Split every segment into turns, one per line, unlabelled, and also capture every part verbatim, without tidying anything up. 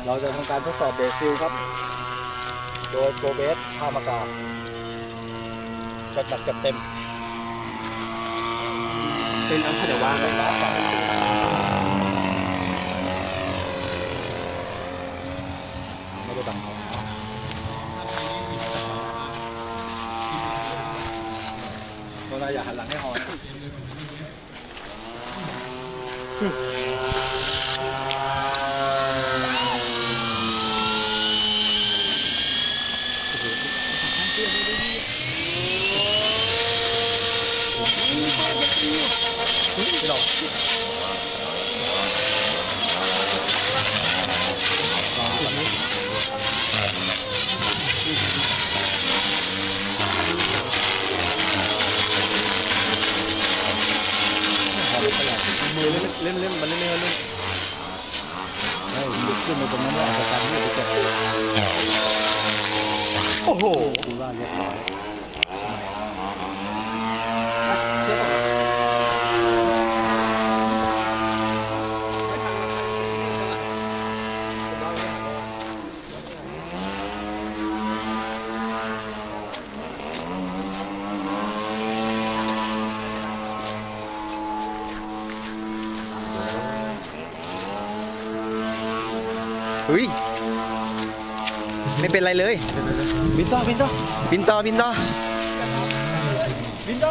เราจะทำการทดสอบเบสซิลครับโดยโปรเบสพามากาจัดหนักจัดเต็ม
เป็นอันเดี๋ยววางไว้
ไม่ได้ดังโดนอะไรอย่าหันหลังให้ฮอนไม่ลองมือเล่นเล่นมันเล่นเล่นเล่นเฮ้ยลุกขึ้นมาตรงนั้นแล้วอาจจะการที่จะเจ็บโอ้โหดูว่าเรียบร้อย
เฮ้ยไม่เป็นไรเลยบินต่อบินต่อบินต่อบินต่อ
บินต่อ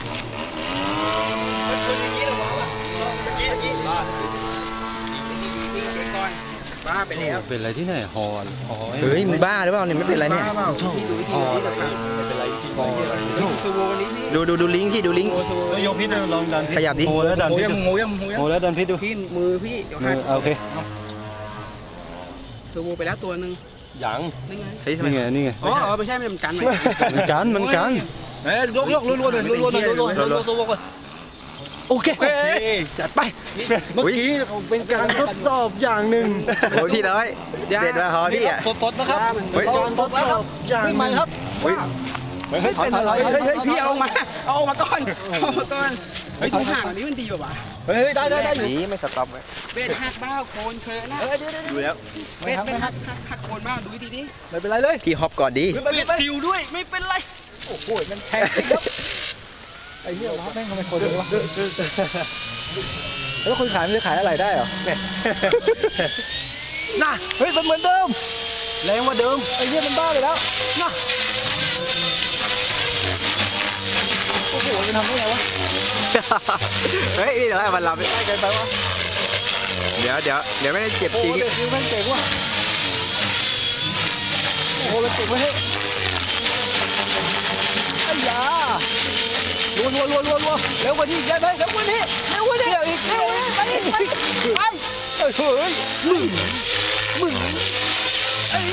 บ้าไปแล้ว
เป็นอะไรที่ไหนฮอล
เฮ้ยมึงบ้าหรือเปล่าเนี่ยไม่เป็นไรเนี่ย
ฮอลไม่เป็นไรจริง
ดูดูดูลิงก์ที่ดูลิงก์
ยกพิษลองดัน
ขยับดิ
โหแล้วดันพิษโหยังโหแล้วดันพิษดู
พี่มือพี่
มือโอเค
ซูโวไปแล้วตัวหนึ่ง
ยัง
นี่ไง
นี่ไง
อ๋อไม่ใช่มันกัน
มันกันมันกันเฮ้ยยกยกรัวๆเลยรัวๆเลยรัวๆรัวๆซูโวไปโอเค
จัดไป
เมื่อกี้เป็นการทดสอบอย่างหนึ่ง
โอ้ยพี่น้อยเด็ดมาฮอพี่อ่ะ
สดๆนะครับการทดสอบอย่างใหม่ครับ
เฮ้ย
เฮ้ยถอยถอยถอย
เฮ้ยพี่เอามาเอามาก่อนเอามาก่อนเฮ้ยถุงห่างนี้มันดีป่ะวะ
เฮ้ยได้ได้ได้อยู่
นี่ไม่สต็อปเลยเบ็ดหักบ้าโคนเคยนะ
ดูแล้ว
เบ็ดเป็นหักหักโคนบ้าดูดีดิ
ไม่เป็นไรเลย
พี่ฮอปก่อนดี
เบ็ดติวด้วยไม่เป็นไรโอ้โหมันแทงไอ้เหี้ยรับแม่งทำไมคนเลยวะแล้วคนขายมันจะขายอะไรได้เหรอน่ะเฮ้ยมันเหมือนเดิมแรงกว่าเดิมไอ้เหี้ยมันบ้าไปแล้วน่ะโอ้โหมันทำได้ไงวะ
เฮ้ยเดี๋ยวให้มันรับ
ได้เกินไปวะ
เดี๋ยวเดี๋ยวเดี๋ยวไม่ได้เจ็บจริง
โอ้โหมันเจ๋งว่ะโอ้โหมันเจ๋งเว้ยไอ้ยารัวรัวรัวรัวรัวเร็วกว่านี้ได้ไหมเร็วกว่านี้เร็วกว่านี้อีกเร็วไปไปไปเฮ้ยมึงมึงไอ้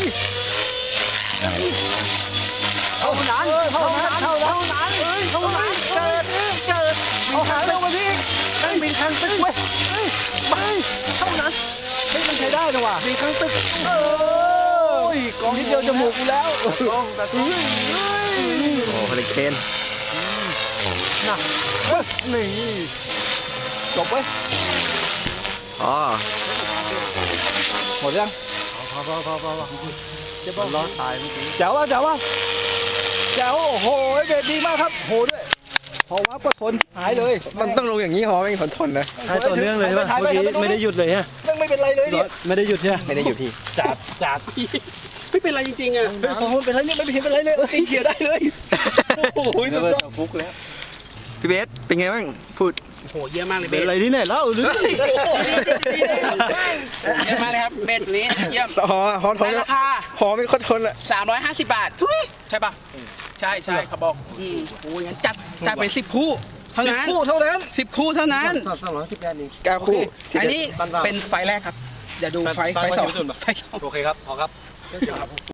เท่านั้นเท่านั้นเท่านั้นเฮ้ยเท่านั้นเกิดเกิดเอาหาเร็วกว่านี้นั่งบินทางตึกเว้ยไปเท่านั้นเฮ้ยมันใช้ได้นะว่ะบินทางตึกเอ้ยกองนิดเดียวจมูกกูแล้วกองแต่ตุ้ย
โอ้เฮลิเคน
น่ะนี่จบเว้ย
อ๋อ
หมดยังพอพอพอพอพอจะบอกล้อตายเมื่อกี้เจ๋วว่ะเจ๋วว่ะเจ๋วโอ้โหเด็ดดีมากครับโหด้วยพอว่าปทนหายเลย
มันต้องลงอย่างนี้หอไม่ทนทนนะ
หายต่อเนื่องเลยใช่ไหมเมื่อกี้ไม่ได้หยุดเลยฮะไม่เป็นไรเลยเนี่ยไม่ได้หยุดใช่ไหม
ไม่ได้หยุดพี่
จัดจัดไม่เป็นไรจริงๆอ่ะสองคนเป็นไรเนี่ยไม่เป็นไรเลยตีเขียได้เลยโอ้โหสุดยอดฟุกแล้ว
พี่เบสเป็นไงบ้างพูด
โหเยอะมากเลยเบส
อะไรที่ไหนเล่าหรือ
เยอะมากเลยครับเบสนี้เยี่ยม
หอหอทน
ราคา
หอไม่ค่อยทนอ่ะ
สามร้อยห้าสิบบาทใช่ป่ะใช่ใช่เขาบอกอืมโอ้ยงั้นจัดจัดเป็นสิบคู่เท่านั้น
สิบคู่เท่านั้น
สิบคู่เท่านั้น
สองร้อยสิบแปดนี่
เก้าคู่
อันนี้เป็นไฟแรกครับอย่าดูไฟไฟสองไฟสอง
โอเคครับพอครับ